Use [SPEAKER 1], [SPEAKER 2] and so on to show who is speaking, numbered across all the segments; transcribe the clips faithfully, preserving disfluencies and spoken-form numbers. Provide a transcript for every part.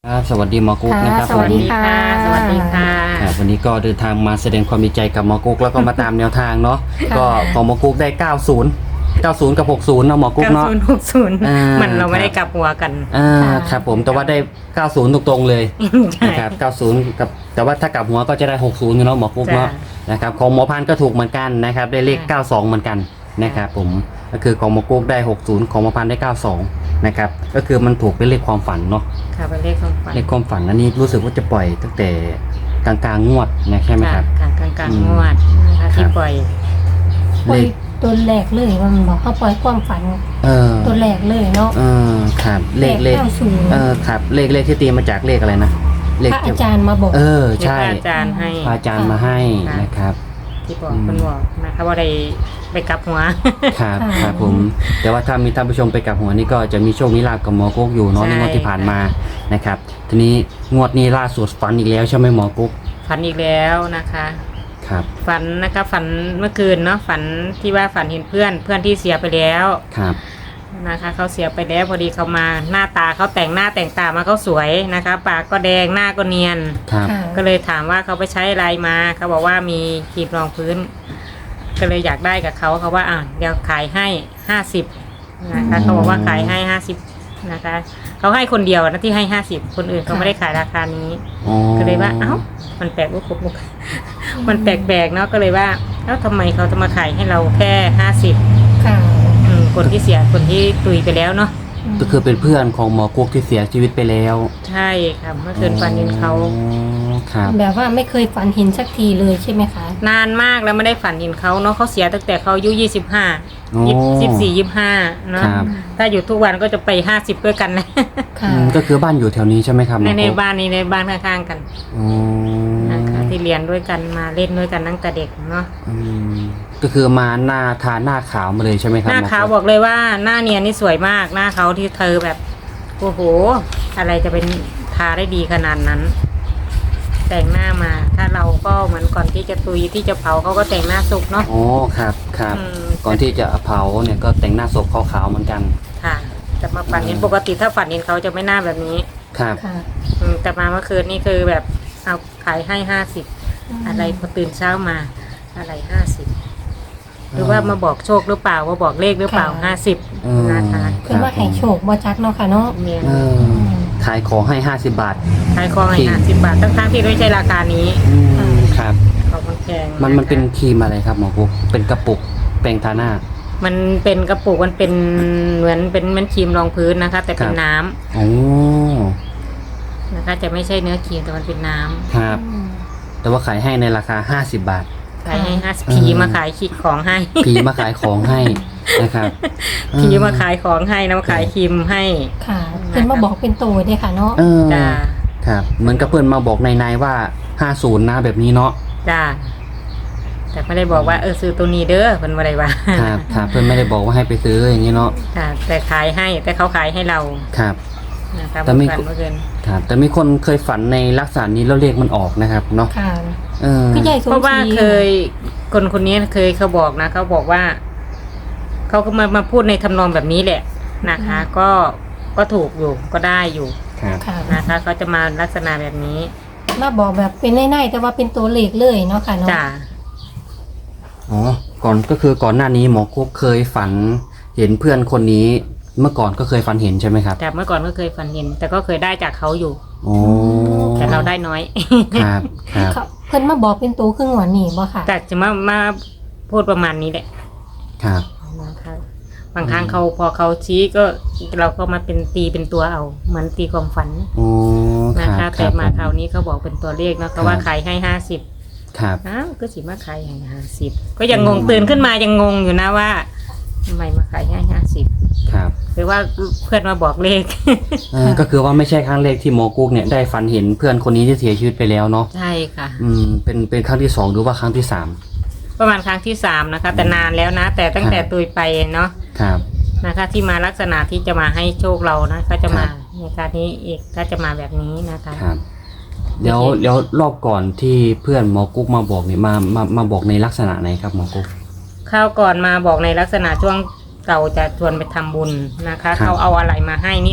[SPEAKER 1] ครับสวัสดีหมอกุ๊กนะครับ
[SPEAKER 2] สวัสดีค่ะสวัสดีค่ะ
[SPEAKER 1] วันนี้ก็เดินทางมาแสดงความดีใจกับหมอกุ๊กแล้วก็มาตามแนวทางเนาะก็ของหมอกุ๊กได้เก้าสิบ เก้าสิบกับหกสิบเนาะหมอกุ๊กเนาะ
[SPEAKER 2] เก้าสิบ หกสิบมันเราไม่ได้กลับหัวกัน
[SPEAKER 1] อ่าครับผมแต่ว่าได้เก้าสิบตรงๆเลยนะครับเก้าสิบกับแต่ว่าถ้ากลับหัวก็จะได้หกสิบเนาะหมอกุ๊กเนาะนะครับของหมอพันก็ถูกเหมือนกันนะครับได้เลขเก้าสิบสองเหมือนกันนะครับผมก็คือของหมอกุ๊กได้หกสิบของหมอพันได้เก้าสิบสองนะครับก็คือมันถูกเป็นเลขความฝันเนาะ
[SPEAKER 2] ค่ะเป็นเลขความฝัน
[SPEAKER 1] เลขความฝันอันนี้รู้สึกว่าจะปล่อยตั้งแต่กลางๆงวดนะใช่ไหมครับ
[SPEAKER 2] ค่ะกลางกลางงวดนะคะที่ปล่อย
[SPEAKER 3] ปล่อยตัวแรกเลยมันบอกเขาปล่อยความฝัน
[SPEAKER 1] เออ
[SPEAKER 3] ตัวแรกเลยเนาะ
[SPEAKER 1] เออครับเลขเลขเออครับเลขเลขที่ตีมาจากเลขอะไรนะ
[SPEAKER 3] เลขพระอาจารย์มาบอก
[SPEAKER 1] เออใช่
[SPEAKER 2] พระอาจารย์ให้
[SPEAKER 1] พระอาจารย์มาให้นะครับ
[SPEAKER 2] ที่บอกคนบอกนะคะว่าได้ไปกลับหัว
[SPEAKER 1] ครับครับผมแต่ว่าถ้ามีท่านผู้ชมไปกลับหัวนี่ก็จะมีโชคมีลาภกับหมอกุ๊กอยู่เนาะในงวดที่ผ่านมานะครับทีนี้งวดนี้ล่าสุดฝันอีกแล้วใช่ไหมหมอกุ๊ก
[SPEAKER 2] ฝันอีกแล้วนะคะ
[SPEAKER 1] ครับ
[SPEAKER 2] ฝันนะคะฝันเมื่อคืนเนาะฝันที่ว่าฝันเห็นเพื่อนเพื่อนที่เสียไปแล้ว
[SPEAKER 1] ครับ
[SPEAKER 2] นะคะเขาเสียไปแล้วพอดีเขามาหน้าตาเขาแต่งหน้าแต่งตามาเขาสวยนะคะปากก็แดงหน้าก็เนียนก็เลยถามว่าเขาไปใช้อะไรมาเขาบอกว่ามีครีมรองพื้นก็เลยอยากได้กับเขาเขาว่าอ่ะเดี๋ยวขายให้ห้าสิบนะคะเขาบอกว่าขายให้ห้าสิบนะคะเขาให้คนเดียวนะที่ให้ห้าสิบคนอื่นเขาไม่ได้ขายราคานี้ก็เลยว่าเอ้ามันแปลกลูกลูกมันแปลกๆเนาะก็เลยว่าแล้วทำไมเขาจะมาขายให้เราแค่ห้าสิบคนที่เสียคนที่ตุยไปแล้วเนาะ
[SPEAKER 1] ก็คือเป็นเพื่อนของหมอกุ๊กที่เสียชีวิตไปแล้ว
[SPEAKER 2] ใช่ค่ะเมื่อคืนฝันเห็นเขา
[SPEAKER 3] แบบว่าไม่เคยฝันเห็นสักทีเลยใช่ไหมคะ
[SPEAKER 2] นานมากแล้วไม่ได้ฝันเห็นเขาเนาะเขาเสียตั้งแต่เขาอายุยี่สิบห้ายี่สิบสี่ยี่สิบห้าเนาะถ้าอยู่ทุกวันก็จะไปห้าสิบด้วยกันเลย
[SPEAKER 1] ก็คือบ้านอยู่แถวนี้ใช่ไหมครับ
[SPEAKER 2] ในในบ้านนี้ในบ้านข้างๆกันนะคะที่เรียนด้วยกันมาเล่นด้วยกันตั้งแต่เด็กเนาะ
[SPEAKER 1] ก็คือมาหน้าทาหน้าขาวมาเลยใช่ไหมครับ
[SPEAKER 2] หน้าขาวบอกเลยว่าหน้าเนียนนี่สวยมากหน้าเขาที่เธอแบบโอ้โหอะไรจะเป็นทาได้ดีขนาดนั้นแต่งหน้ามาถ้าเราก็เหมือนก่อนที่จะตุยที่จะเผาเขาก็แต่งหน้าศพเนาะ
[SPEAKER 1] โอ้ครับครับก่อนที่จะเผาเนี่ยก็แต่งหน้าศพขาวๆเหมือนกัน
[SPEAKER 2] ค่ะแต่มาฝันเห็นปกติถ้าฝันเห็นเขาจะไม่หน้าแบบนี้
[SPEAKER 1] ครับ
[SPEAKER 2] แต่มาเมื่อคืนนี่คือแบบเอาขายให้ห้าสิบอะไรพอตื่นเช้ามาอะไรห้าสิบหรือว่ามาบอกโชคหรือเปล่าว่าบอกเลขหรือเปล่าห้าสิบนะคะ
[SPEAKER 3] คือว่าให้โชคบ่จักเนาะค่ะเนาะ
[SPEAKER 1] ขายของให้ห้าสิบบาท
[SPEAKER 2] ขายของให้ห้าสิบบาททั้งๆที่ไม่ใช่ราคานี้
[SPEAKER 1] ครับ
[SPEAKER 2] ของมันแพง
[SPEAKER 1] มันมันเป็นครีมอะไรครับหมอกุ๊กเป็นกระปุกแปรงทาหน้า
[SPEAKER 2] มันเป็นกระปุกมันเป็นเหมือนเป็นเหมือนครีมรองพื้นนะคะแต่เป็นน้ำ
[SPEAKER 1] โอ้
[SPEAKER 2] นะคะจะไม่ใช่เนื้อครีมแต่มันเป็นน้
[SPEAKER 1] ำครับแต่ว่าขายให้ในราคาห้าสิบบาท
[SPEAKER 2] ขายให้ห้าสิบผีมาขายขีดของให้
[SPEAKER 1] ผีมาขายของให้นะครับ
[SPEAKER 2] ผีมาขายของให้นะมาขายครีมให้
[SPEAKER 3] ค่ะเป็นมาบอกเป็นตัวด้วยค่ะเนาะ
[SPEAKER 2] จ้า
[SPEAKER 1] ครับเหมือนกับเพื่อนมาบอกในๆว่าห้าสิบนะแบบนี้เนาะ
[SPEAKER 2] จ้าแต่ไม่ได้บอกว่าเออซื้อตัวนี้เด้อเพื่อนอะไรวะ
[SPEAKER 1] ครับครับเพื่อนไม่ได้บอกว่าให้ไปซื้ออย่างนี้เนาะ
[SPEAKER 2] ค่ะแต่ขายให้แต่เขาขายให้เรา
[SPEAKER 1] ครับ
[SPEAKER 2] นะครับ
[SPEAKER 1] แต่มีครับแต่มีคนเคยฝันในลักษณะนี้แล้วเลขมันออกนะครับเนาะ
[SPEAKER 3] ค่ะ
[SPEAKER 1] เออ
[SPEAKER 2] เพราะว่าเคยคนคนนี้เคยเขาบอกนะเขาบอกว่าเขาก็มามาพูดในทำนองแบบนี้แหละนะคะก็ก็ถูกอยู่ก็ได้อยู่นะคะเขาจะมาลักษณะแบบนี้
[SPEAKER 3] มาบอกแบบเป็นในๆแต่ว่าเป็นตัวเลขเลยเนาะค่ะเนาะ
[SPEAKER 2] จ้า
[SPEAKER 1] อ๋อก่อนก็คือก่อนหน้านี้หมอกุ๊กเคยฝันเห็นเพื่อนคนนี้เมื่อก่อนก็เคยฝันเห็นใช่ไหมครับ
[SPEAKER 2] แต่เมื่อก่อนก็เคยฝันเห็นแต่ก็เคยได้จากเขาอยู่
[SPEAKER 1] โอ้
[SPEAKER 2] แต่เราได้น้อย
[SPEAKER 1] ครับครับ
[SPEAKER 3] เพื่อนมาบอกเป็นตัวครึ่งหัวหนีบ่ค่ะ
[SPEAKER 2] แต่จะมามาพูดประมาณนี้แหละ
[SPEAKER 1] ครับ
[SPEAKER 2] นะคะบางครั้งเขาพอเขาชี้ก็เราก็มาเป็นตีเป็นตัวเอาเหมือนตีความฝันนะคะแต่มาคราวนี้เขาบอกเป็นตัวเลขนะเขาว่าขายให้ห้าสิบ
[SPEAKER 1] ครับ
[SPEAKER 2] อ้าวก็สิมาขายให้ห้าสิบก็ยังงงตื่นขึ้นมายังงงอยู่นะว่าทำไมมาขายให้ห้าสิบ
[SPEAKER 1] ครับ
[SPEAKER 2] หรือว่าเพื่อนมาบอกเลข
[SPEAKER 1] ก็คือว่าไม่ใช่ครั้งแรกที่หมอกุ๊กเนี่ยได้ฝันเห็นเพื่อนคนนี้ที่เสียชีวิตไปแล้วเนาะ
[SPEAKER 2] ใช่ค่ะ
[SPEAKER 1] อืมเป็นเป็นครั้งที่สองหรือว่าครั้งที่สาม
[SPEAKER 2] ประมาณครั้งที่สามนะคะแต่นานแล้วนะแต่ตั้งแต่ตุยไปเนาะ
[SPEAKER 1] ครับ
[SPEAKER 2] นะคะที่มาลักษณะที่จะมาให้โชคเรานะก็จะมาในการนี้อีกก็จะมาแบบนี้นะคะ
[SPEAKER 1] ครับเดี๋ยวเดี๋ยวรอบก่อนที่เพื่อนหมอกุ๊กมาบอกเนี่ยมามามาบอกในลักษณะไหนครับหมอกุ๊ก
[SPEAKER 2] ข้าวก่อนมาบอกในลักษณะช่วงเก่าจะชวนไปทำบุญนะคะเขาเอาอะไรมาให้นี่แหละ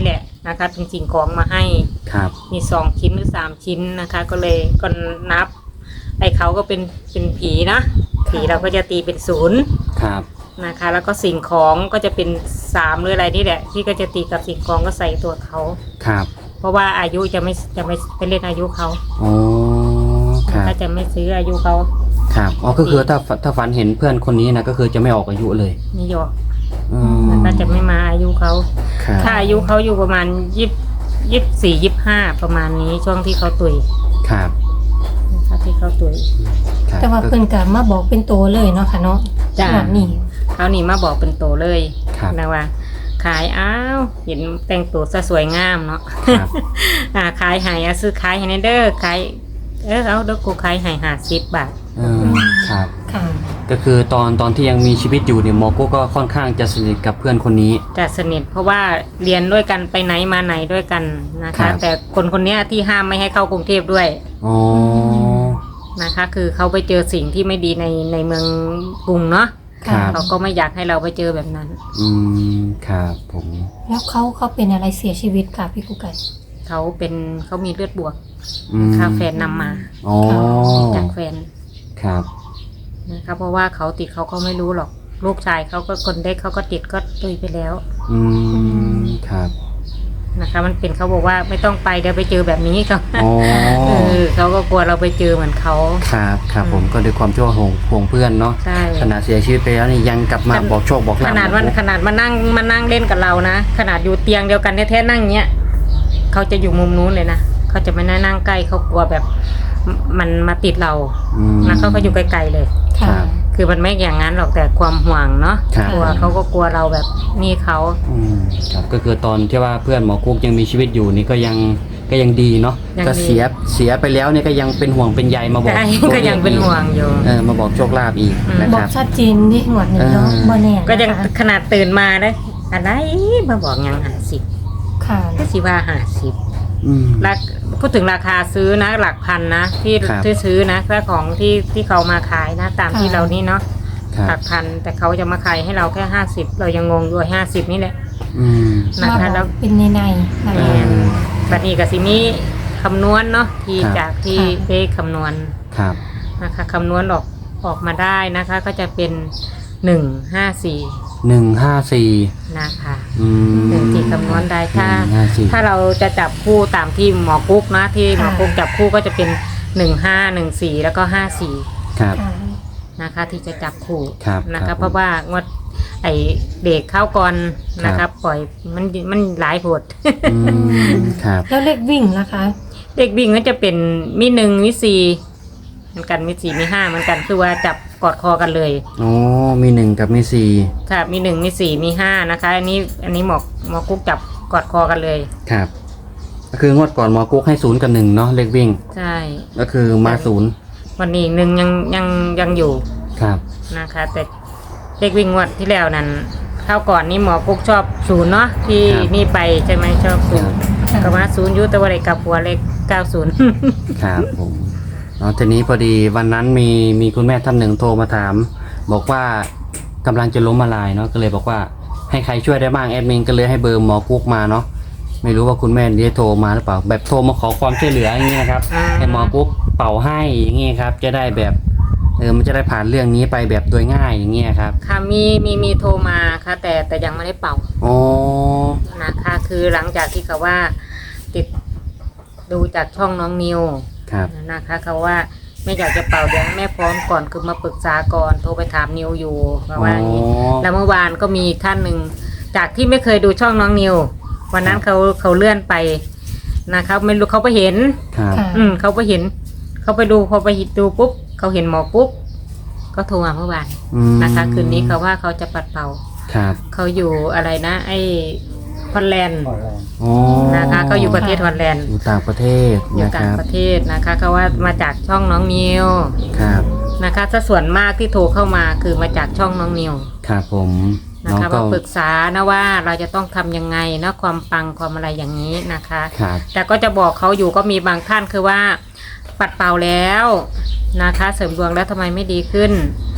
[SPEAKER 2] นะคะจริงๆของมาให้
[SPEAKER 1] ครับ
[SPEAKER 2] มีสองชิ้นหรือสามชิ้นนะคะ ก็เลยก็นับไอ้เขาก็เป็นเป็นผีนะผีเราก็จะตีเป็นศูนย์
[SPEAKER 1] ครับ
[SPEAKER 2] นะคะ แล้วก็สิ่งของก็จะเป็นสามหรืออะไรนี่แหละที่ก็จะตีกับสิ่งของก็ใส่ตัวเขา
[SPEAKER 1] ครับ
[SPEAKER 2] เพราะว่าอายุจะไม่จะไม่ไปเล่นอายุเขา
[SPEAKER 1] อ๋อครับ
[SPEAKER 2] ถ้าจะไม่ซื้ออายุเขา
[SPEAKER 1] ครับอ๋อก็คือถ้าถ้าฝันเห็นเพื่อนคนนี้นะก็คือจะไม่ออกอายุเลย
[SPEAKER 2] นี่หยอก
[SPEAKER 1] อืม
[SPEAKER 2] มันก็จะไม่มาอายุเขา
[SPEAKER 1] ครับ
[SPEAKER 2] ถ้าอายุเขาอยู่ประมาณยี่ยี่สี่ยี่ห้าประมาณนี้ช่วงที่เขาตุย
[SPEAKER 1] ครับ
[SPEAKER 2] นะคะที่เขาตุย
[SPEAKER 1] ครับ
[SPEAKER 3] แต่ว่าเพิ่นก็มาบอกเป็นตัวเลยเนาะค่ะเนาะ
[SPEAKER 2] จ้ะ
[SPEAKER 3] แบบนี้
[SPEAKER 2] เขานี่มาบอกเป็นโตเลย
[SPEAKER 1] ครับ
[SPEAKER 2] นะว่า ขายอ้าวเห็นแต่งตัวซะสวยงามเนาะ
[SPEAKER 1] ครับ
[SPEAKER 2] อ่าขายให้อะซื้อขายให้ในเด้อขายเออเอาเด้อกูขายให้ห้าสิบบาท
[SPEAKER 1] อืมครับ
[SPEAKER 3] ค่ะ
[SPEAKER 1] ก็คือตอนตอนที่ยังมีชีวิตอยู่เนี่ยหมอกุ๊กก็ค่อนข้างจะสนิทกับเพื่อนคนนี้
[SPEAKER 2] จะสนิทเพราะว่าเรียนด้วยกันไปไหนมาไหนด้วยกันนะ
[SPEAKER 1] ครั
[SPEAKER 2] คะ
[SPEAKER 1] บ
[SPEAKER 2] แต่คนคนเนี้ยที่ห้ามไม่ให้เข้ากรุงเทพด้วย
[SPEAKER 1] อ๋อ
[SPEAKER 2] นะคะ คือเขาไปเจอสิ่งที่ไม่ดีในในเมืองกรุงเนาะ
[SPEAKER 1] ครับ
[SPEAKER 2] เขาก็ไม่อยากให้เราไปเจอแบบนั้น
[SPEAKER 1] อืมครับผม
[SPEAKER 3] แล้วเขาเขาเป็นอะไรเสียชีวิตค่ะพี่กุ๊กไก่
[SPEAKER 2] เขาเป็นเขามีเลือดบวก
[SPEAKER 1] อืม
[SPEAKER 2] ค่ะแฟนนำมา
[SPEAKER 1] อ๋อ
[SPEAKER 2] จากแฟน
[SPEAKER 1] ครับ
[SPEAKER 2] นะคะเพราะว่าเขาติดเขาก็ไม่รู้หรอกลูกชายเขาก็คนเด็กเขาก็ติดก็ตุยไปแล้ว
[SPEAKER 1] อืมครับ
[SPEAKER 2] นะคะ มันเป็นเขาบอกว่าไม่ต้องไปเดี๋ยวไปเจอแบบนี้เขา
[SPEAKER 1] อ๋อ
[SPEAKER 2] เออเขาก็กลัวเราไปเจอเหมือนเขา
[SPEAKER 1] ครับครับผมก็ด้วยความที่ว่าห่วงห่วงเพื่อนเนาะ
[SPEAKER 2] ใช่
[SPEAKER 1] ขนาดเสียชีวิตไปแล้วนี่ยังกลับมาบอกโชคบอก
[SPEAKER 2] ข
[SPEAKER 1] ลาภ
[SPEAKER 2] นาดวันขนาดมานั่งมานั่งเล่นกับเรานะขนาดอยู่เตียงเดียวกันแท้ๆนั่งเนี้ยเขาจะอยู่มุมนู้นเลยนะเขาจะไม่นั่งใกล้เขากลัวแบบมมันมาติดเรา
[SPEAKER 1] อืม
[SPEAKER 2] นะเขาก็อยู่ไกลๆเลย
[SPEAKER 1] ค
[SPEAKER 3] ค่ะ
[SPEAKER 1] รับ
[SPEAKER 2] คือมันไม่อย่างนั้นหรอกแต่ความห่วงเนาะ
[SPEAKER 1] ครับ
[SPEAKER 2] กลัวเขาก็กลัวเราแบบนี่เขา
[SPEAKER 1] อืมครับก็คือตอนที่ว่าเพื่อนหมอกุ๊กยังมีชีวิตอยู่นี่ก็ยังก็ยังดีเนาะก็เสียเสียไปแล้วเนี่ยก็ยังเป็นห่วงเป็นใยมาบอก
[SPEAKER 2] ใช่
[SPEAKER 1] ตัว
[SPEAKER 2] ก็ยังเป็นห่วงอยู่
[SPEAKER 1] เออมาบอกโชคลาภอีก
[SPEAKER 2] อืม
[SPEAKER 1] นะ
[SPEAKER 3] บ
[SPEAKER 1] ค
[SPEAKER 3] อก
[SPEAKER 1] รับ
[SPEAKER 3] ชัดเจนดิหมดนี้เนาะ
[SPEAKER 1] เออ
[SPEAKER 3] บ่แน่
[SPEAKER 2] ก็ยัง
[SPEAKER 3] นะคะ
[SPEAKER 2] ขนาดตื่นมาเลยอะไรมาบอกยังหาสิบ
[SPEAKER 3] ค่ะ
[SPEAKER 2] ก็สิว่าหาสิบ
[SPEAKER 1] อืม
[SPEAKER 2] ราคพูดถึงราคาซื้อนะหลักพันนะที่
[SPEAKER 1] ครับ
[SPEAKER 2] ที่ซื้อนะถ้าของที่ที่เขามาขายนะ ตามที่เรานี่เนาะ
[SPEAKER 1] ครั
[SPEAKER 2] หลั
[SPEAKER 1] บ
[SPEAKER 2] กพันแต่เขาจะมาขายให้เราแค่ห้าสิบเรายังงงอยู่ห้าสิบนี่แหละ
[SPEAKER 1] อืม
[SPEAKER 2] นะ
[SPEAKER 3] มา
[SPEAKER 2] คะ
[SPEAKER 3] บ
[SPEAKER 2] แล้
[SPEAKER 3] อ
[SPEAKER 2] ว
[SPEAKER 3] กเป็นในในๆนะคะ
[SPEAKER 2] แม่น บัดนี้กับสิมีคำนวณเนาะที่
[SPEAKER 1] ครับ
[SPEAKER 2] จากที่
[SPEAKER 3] ค่ะ
[SPEAKER 2] เป๊คำนวณ
[SPEAKER 1] ครับ
[SPEAKER 2] นะคะคำนวณออกออกมาได้นะคะ ก็จะเป็นหนึ่งห้าสี่
[SPEAKER 1] หนึ่งห้าสี่
[SPEAKER 2] นะคะ
[SPEAKER 1] อืม
[SPEAKER 2] หนึ่งที่คำนวณได้ถ้า
[SPEAKER 1] หนึ่งห้าสี่
[SPEAKER 2] ถ้าเราจะจับคู่ตามที่หมอกุ๊กนะที่หมอกุ๊กจับคู่ก็จะเป็นหนึ่งห้าหนึ่งสี่แล้วก็ห้าสี่
[SPEAKER 1] ครับ
[SPEAKER 3] ค่ะ
[SPEAKER 2] นะคะ ที่จะจับคู่
[SPEAKER 1] ครับ
[SPEAKER 2] นะ
[SPEAKER 1] ครั
[SPEAKER 2] คะ
[SPEAKER 1] บ
[SPEAKER 2] เพราะว่างวดไอเด็กเข้าก่อนนะ
[SPEAKER 1] ครั
[SPEAKER 2] คะ
[SPEAKER 1] บ
[SPEAKER 2] ปล่อยมันมันหลายโหด
[SPEAKER 1] อืมครับ
[SPEAKER 3] แล้วเลขวิ่งนะคะ
[SPEAKER 2] เด็กวิ่งก็จะเป็นมีหนึ่งมีสี่เหมือนกันมีสี่มีห้าเหมือนกันคือว่าจับกอดคอกันเลย
[SPEAKER 1] อ๋อมีหนึ่งกับมีสี่
[SPEAKER 2] ค่ะมีหนึ่งมีสี่มีห้านะคะ อันนี้อันนี้หมอกหมอกุ๊กจับกอดคอกันเลย
[SPEAKER 1] ครับก็คืองวดก่อนหมอกุ๊กให้ศูนย์กับหนึ่งเนาะเลขวิ่ง
[SPEAKER 2] ใช่
[SPEAKER 1] ก็คือมาศูนย์
[SPEAKER 2] วันนี้หนึ่งยังยังยังอยู่
[SPEAKER 1] ครับ
[SPEAKER 2] นะคะ แต่เด็กวิ่งงวดที่แล้วนั้นเข้าก่อนนี่หมอกุ๊กชอบศูนย์เนาะที่นี่ไปใช่ไหมชอบศูนย์
[SPEAKER 3] ครับ
[SPEAKER 2] ก็มาศูนย์อยุตะวันเด็กกับหัวเลขเก้าศูนย์
[SPEAKER 1] ครับผมเนาะทีนี้พอดีวันนั้นมีมีคุณแม่ท่านหนึ่งโทรมาถาม บอกว่ากำลังจะล้มละลายเนาะก็เลยบอกว่าให้ใครช่วยได้บ้างแอดมินก็เลยให้เบอร์หมอกุ๊กมาเนาะไม่รู้ว่าคุณแม่ได้โทรมาหรือเปล่าแบบโทรมาขอความช่วยเหลืออย่างนี้นะครับ
[SPEAKER 2] อ่า
[SPEAKER 1] ให้หมอกุ๊กเป่าให้อย่างนี้ครับจะได้แบบเออมันจะได้ผ่านเรื่องนี้ไปแบบโดยง่ายอย่างเงี้ยครับ
[SPEAKER 2] ค่ะมีมีมีโทรมาค่ะ แต่แต่ยังไม่ได้เป่า
[SPEAKER 1] อ๋อ
[SPEAKER 2] นะคะ คือหลังจากที่เขาว่าติดดูจากช่องน้องนิว
[SPEAKER 1] ครับ
[SPEAKER 2] นะคะเขาว่าไม่อยากจะเป่าเดี๋ยวให้แม่พร้อมก่อนคือมาปรึกษาก่อนโทรไปถามนิวอยู่ว่าว่าอย่างนี้
[SPEAKER 1] อ๋อ
[SPEAKER 2] แล้วเมื่อวานก็มีท่านหนึ่งจากที่ไม่เคยดูช่องน้องนิว วันนั้นเขาเขาเลื่อนไปนะคะไม่รู้เขาไปเห็น
[SPEAKER 1] ครับ
[SPEAKER 3] ค่ะ
[SPEAKER 2] อืมเขาไปเห็น เขาไปดูพอไปดูปุ๊บเขาเห็นหมอปุ๊บก็โทรมาเมื่อวาน
[SPEAKER 1] อืม
[SPEAKER 2] นะคะ คืนนี้เขาว่าเขาจะปัดเป่า
[SPEAKER 1] ครับ
[SPEAKER 2] เขาอยู่อะไรนะ ไอ้ฮอลแลนด์
[SPEAKER 1] อ๋อ
[SPEAKER 2] นะคะเขาอยู่ประเทศฮอลแลนด์
[SPEAKER 1] อยู่ต่างประเทศ
[SPEAKER 2] อยู่
[SPEAKER 1] นะค
[SPEAKER 2] ต่าง
[SPEAKER 1] รับ
[SPEAKER 2] ประเทศนะคะเขาว่ามาจากช่องน้องนิว
[SPEAKER 1] ครับ
[SPEAKER 2] นะคะถ้าส่วนมากที่โทรเข้ามาคือมาจากช่องน้องนิว
[SPEAKER 1] ครับผม
[SPEAKER 2] นะ
[SPEAKER 1] น้อง
[SPEAKER 2] คะ
[SPEAKER 1] ก็
[SPEAKER 2] มาปรึกษานะว่าเราจะต้องทำยังไงนะความปังความอะไรอย่างนี้นะคะ
[SPEAKER 1] ครับ
[SPEAKER 2] แต่ก็จะบอกเขาอยู่ก็มีบางท่านคือว่าปัดเป่าแล้วนะคะ เสริมดวงแล้วทำไมไม่ดีขึ้น
[SPEAKER 1] ครับ
[SPEAKER 2] ต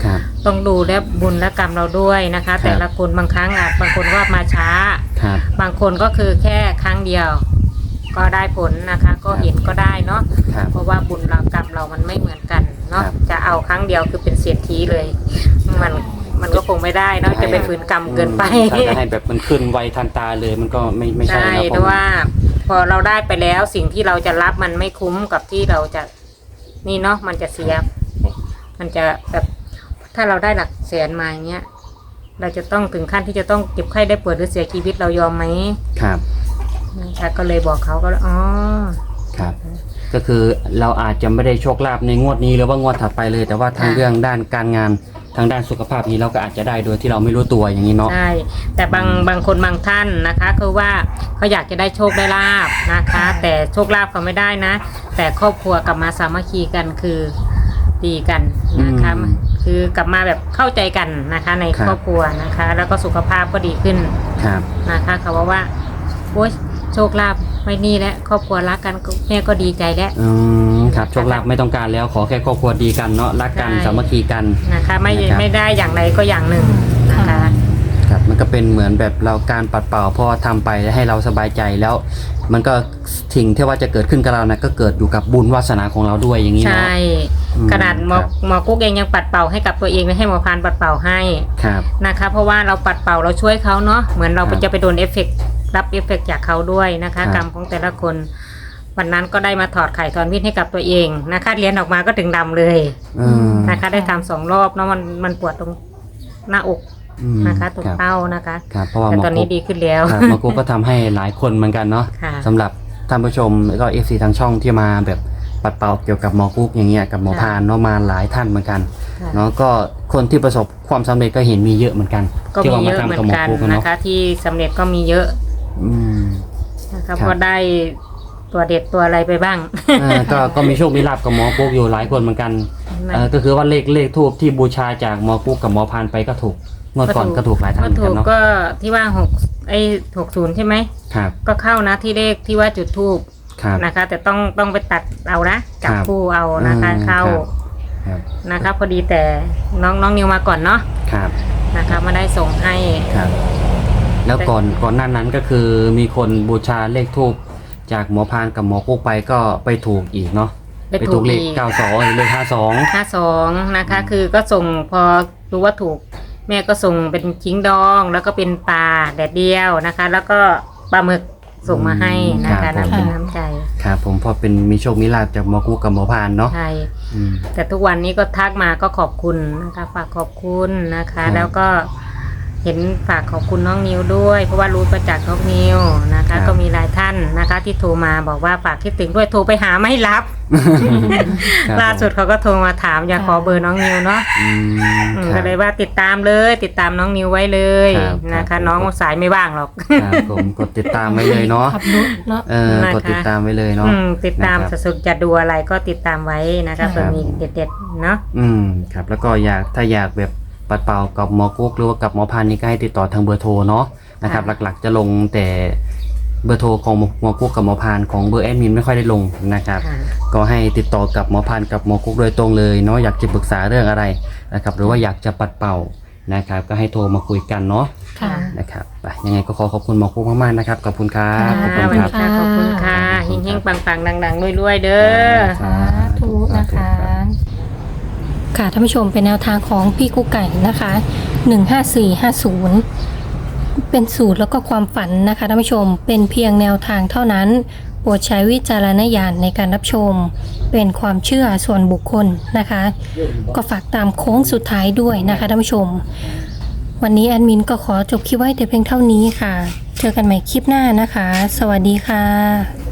[SPEAKER 2] ต้องดูและบุญและกรรมเราด้วยนะคะ แต่ละคนบางครั้งอาจบางคนว่ามาช้า
[SPEAKER 1] ครับ
[SPEAKER 2] บางคนก็คือแค่ครั้งเดียว ก็ได้ผลนะคะ ก็เห็นก็ได้เนาะ
[SPEAKER 1] ครับ
[SPEAKER 2] เพราะว่าบุญเรากรรมเรามันไม่เหมือนกันเนาะ
[SPEAKER 1] ครับ
[SPEAKER 2] จะเอาครั้งเดียวคือเป็นเศรษฐีเลย มันมันก็คงไม่ได้เนาะจะไปฝืนกรรมเกินไป
[SPEAKER 1] ถ้าจะให้แบบมันขึ้นไวทันตาเลยมันก็ไม่ไม่ใช่
[SPEAKER 2] ใช่
[SPEAKER 1] นะ
[SPEAKER 2] แต่ว่าพอเราได้ไปแล้วสิ่งที่เราจะรับมันไม่คุ้มกับที่เราจะนี่เนาะมันจะเสีย มันจะแบบถ้าเราได้หลักแสนมาอย่างเงี้ยเราจะต้องถึงขั้นที่จะต้องเจ็บไข้ได้ป่วยหรือเสียชีวิตเรายอมไหม
[SPEAKER 1] ครับ
[SPEAKER 2] นะคะก็เลยบอกเขาก็เลยอ๋อ
[SPEAKER 1] ครับ ก็คือเราอาจจะไม่ได้โชคลาภในงวดนี้หรือว่างวดถัดไปเลย แต่ว่าทางเรื่องด้านการงานทางด้านสุขภาพนี้เราก็อาจจะได้โดยที่เราไม่รู้ตัวอย่างนี้เนาะ
[SPEAKER 2] ใช่แต่บางบางคนบางท่านนะคะคือว่าเขาอยากจะได้โชคได้ลาบนะคะ แต่โชคลาภเขาไม่ได้นะ แต่ครอบครัวกลับมาสามัคคีกันคือดีกันนะคะ
[SPEAKER 1] อืม
[SPEAKER 2] คือกลับมาแบบเข้าใจกันนะคะใน
[SPEAKER 1] ครับ
[SPEAKER 2] ครอบครัวนะคะ แล้วก็สุขภาพก็ดีขึ้น
[SPEAKER 1] ครับ
[SPEAKER 2] นะคะเขาบอกว่าโอ๊ยโชคลาภไม่นี่แล้วครอบครัวรักกันแม่ก็ดีใจแล้ว
[SPEAKER 1] อืมครับโชคลาภไม่ต้องการแล้วขอแค่ครอบครัวดีกันเนาะรักกัน
[SPEAKER 2] ใช่
[SPEAKER 1] สามัคคีกัน
[SPEAKER 2] นะคะไม่
[SPEAKER 1] นะครับ
[SPEAKER 2] ไม่ได้อย่างใดก็อย่างหนึ่งนะคะ
[SPEAKER 1] ครับมันก็เป็นเหมือนแบบเราการปัดเป่าเพราะว่าทำไปให้เราสบายใจแล้ว มันก็สิ่งที่ว่าจะเกิดขึ้นกับเรานะก็เกิดอยู่กับบุญวาสนาของเราด้วยอย่างนี้
[SPEAKER 2] ใช่
[SPEAKER 1] เนาะ อืม
[SPEAKER 2] ขนาดหมอ
[SPEAKER 1] ครับ
[SPEAKER 2] หมอกุ๊กเองยังปัดเป่าให้กับตัวเองและให้หมอพานปัดเป่าให้
[SPEAKER 1] ครับ
[SPEAKER 2] นะคะ เพราะว่าเราปัดเป่าเราช่วยเขาเนาะเหมือนเรา
[SPEAKER 1] ครับ
[SPEAKER 2] จะไปโดนเอฟเฟกต์รับเอฟเฟกต์จากเขาด้วยนะคะ
[SPEAKER 1] ครับ
[SPEAKER 2] กรรมของแต่ละคน วันนั้นก็ได้มาถอดไข่ถอนพิษให้กับตัวเองนะคะเรียนออกมาก็ถึงดำเลย
[SPEAKER 1] อืม
[SPEAKER 2] นะคะ ได้ทำสองรอบเนาะมันมันปวดตรงหน้าอก
[SPEAKER 1] อืม
[SPEAKER 2] นะคะตรง
[SPEAKER 1] ครับ
[SPEAKER 2] เต้านะคะ
[SPEAKER 1] ครับเพราะว่า
[SPEAKER 2] แต่
[SPEAKER 1] หมอ
[SPEAKER 2] ตอนนี้
[SPEAKER 1] กุ๊ก
[SPEAKER 2] ดีขึ้นแล้ว
[SPEAKER 1] ครับหมอกุ๊กก็ทำให้หลายคนเหมือนกันเนาะ
[SPEAKER 2] ค่ะ
[SPEAKER 1] สำหรับท่านผู้ชมแล้วก็เอฟซีทางช่องที่มาแบบปัดเป่าเกี่ยวกับหมอกุ๊กอย่างเงี้ยกับหมอพานเนาะมาหลายท่านเหมือนกัน
[SPEAKER 2] ค่ะ
[SPEAKER 1] เนาะก็คนที่ประสบความสำเร็จก็เห็นมีเยอะเหมือนกัน
[SPEAKER 2] ก็
[SPEAKER 1] ที่
[SPEAKER 2] มี
[SPEAKER 1] ว่า
[SPEAKER 2] เย
[SPEAKER 1] มา
[SPEAKER 2] อะเหมื
[SPEAKER 1] ทำ
[SPEAKER 2] อ
[SPEAKER 1] กับหมอ
[SPEAKER 2] นกัน
[SPEAKER 1] กุ๊กอะ
[SPEAKER 2] นะ
[SPEAKER 1] เนาะ
[SPEAKER 2] คะ ที่สำเร็จก็มีเยอะ
[SPEAKER 1] อืม
[SPEAKER 2] นะคะ
[SPEAKER 1] ครับ
[SPEAKER 2] เพราะได้ตัวเด็ดตัวอะไรไปบ้าง
[SPEAKER 1] เออก็ก็มีโชคมีลาบกับหมอกุ๊กอยู่หลายคนเหมือนกันเออก็คือว่าเลขเลขทูบที่บูชาจากหมอกุ๊กกับหมอพานไปก็ถูกงวดก่อนก็ถูกหลายท่านเหมือน
[SPEAKER 2] ถู
[SPEAKER 1] กัน
[SPEAKER 2] ก
[SPEAKER 1] เนาะ
[SPEAKER 2] ก็ที่ว่าหกไอ้หกศูนย์ใช่ไหม
[SPEAKER 1] ครับ
[SPEAKER 2] ก็เข้านะที่เลขที่ว่าจุดทูบ
[SPEAKER 1] ครับ
[SPEAKER 2] นะคะ แต่ต้องต้องไปตัดเอานะจับ
[SPEAKER 1] ครับ
[SPEAKER 2] คู่เอานะคะ
[SPEAKER 1] อืม
[SPEAKER 2] เข้า
[SPEAKER 1] ครับ
[SPEAKER 2] นะคะพอดีแต่น้องน้องนิวมาก่อนเนาะ
[SPEAKER 1] ครับ
[SPEAKER 2] นะคะมาได้ส่งให้
[SPEAKER 1] ครับ แล้วก่อนก่อนหน้านั้นก็คือมีคนบูชาเลขทูบจากหมอพานกับหมอกุ๊กไปก็ไปถูกอีกเนาะ
[SPEAKER 2] ไป
[SPEAKER 1] ไป
[SPEAKER 2] ถู
[SPEAKER 1] ถู
[SPEAKER 2] ก
[SPEAKER 1] กเลข
[SPEAKER 2] อีก
[SPEAKER 1] เก้าสองเลขห้าสอง
[SPEAKER 2] ห้าสองนะคะ คือก็ส่งพอรู้ว่าถูก แม่ก็ส่งเป็นจิ้งดองแล้วก็เป็นปลาแดดเดียวนะคะ แล้วก็ปลาหมึกส่งมาให้นะคะน้ำเป็นน้ำใจ
[SPEAKER 1] ครับผมพอเป็นมีโชคมีลาภจากหมอกุ๊กกับหมอพานเนาะ
[SPEAKER 2] ใช่
[SPEAKER 1] อืม
[SPEAKER 2] แต่ทุกวันนี้ก็ทักมาก็ขอบคุณนะคะฝากขอบคุณนะคะ
[SPEAKER 1] ครับ
[SPEAKER 2] แล้วก็เห็นฝากขอบคุณน้องนิวด้วย เพราะว่ารู้ประจักษ์น้องนิวนะคะ ก็มีหลายท่านนะคะ ที่โทรมาบอกว่าฝากคิดถึงด้วยโทรไปหาไม่รับ
[SPEAKER 1] ครับ
[SPEAKER 2] ล่าสุดเขาก็โทรมาถามอยากขอเบอร์น้องนิวเนาะ
[SPEAKER 1] อืม
[SPEAKER 2] อืม
[SPEAKER 1] ครั
[SPEAKER 2] ก็
[SPEAKER 1] บ
[SPEAKER 2] เลยว่าติดตามเลย ติดตามน้องนิวไว้เลย
[SPEAKER 1] ครับ
[SPEAKER 2] นะ
[SPEAKER 1] ครั
[SPEAKER 2] คะ
[SPEAKER 1] บ
[SPEAKER 2] น้องสายไม่ว่างหรอก
[SPEAKER 1] ครับผมกดติดตามไว้เลยเนาะ
[SPEAKER 3] ขับรถเนาะ
[SPEAKER 1] เออ
[SPEAKER 2] นะคะ
[SPEAKER 1] กดติดตามไว้เลยเนาะ
[SPEAKER 2] อืมติดตาม
[SPEAKER 1] นะครับ
[SPEAKER 2] สุดๆจะดูอะไรก็ติดตามไว้นะคะ
[SPEAKER 3] ครับ
[SPEAKER 2] เผื่อมีเด็ดๆเนาะ
[SPEAKER 1] อืมครับแล้วก็อยากถ้าอยากแบบปัดเป่ากับหมอกุ๊กหรือว่ากับหมอพันนี่ก็ให้ติดต่อทางเบอร์โทรเนาะนะครับ
[SPEAKER 2] ค่ะ
[SPEAKER 1] หลักๆจะลงแต่เบอร์โทรของหมอกุ๊กกับหมอพันของเบอร์แอดมินไม่ค่อยได้ลงนะครับ
[SPEAKER 2] ค่ะ
[SPEAKER 1] ก็ให้ติดต่อกับหมอพันกับหมอกุ๊กโดยตรงเลยเนาะอยากจะปรึกษาเรื่องอะไรนะครับหรือว่าอยากจะปัดเป่านะครับก็ให้โทรมาคุยกันเนาะ
[SPEAKER 3] ค่ะ
[SPEAKER 1] นะครับไปยังไงก็ขอขอบคุณหมอกุ๊กมากๆนะครับขอบคุณครับ
[SPEAKER 3] ค่ะ
[SPEAKER 1] ขอบ
[SPEAKER 2] ส
[SPEAKER 1] คุณ
[SPEAKER 2] วัส
[SPEAKER 1] ค
[SPEAKER 2] ดี
[SPEAKER 1] รับ
[SPEAKER 2] ค่ะขอบคุณค่ะ
[SPEAKER 1] ขอบคุณครับ
[SPEAKER 2] เฮงๆปังๆดังๆรวยๆเด้อ
[SPEAKER 3] สาธุนะคะ ค่ะท่านผู้ชมเป็นแนวทางของพี่กุ๊กไก่นะคะหนึ่งห้าสี่ห้าศูนย์เป็นสูตรแล้วก็ความฝันนะคะท่านผู้ชมเป็นเพียงแนวทางเท่านั้นโปรดใช้วิจารณญาณในการรับชม เป็นความเชื่อส่วนบุคคลนะคะ ก็ฝากตามโค้งสุดท้ายด้วยนะคะท่านผู้ชม วันนี้แอดมินก็ขอจบคลิปไว้แต่เพียงเท่านี้ค่ะ เจอกันใหม่คลิปหน้านะคะ สวัสดีค่ะ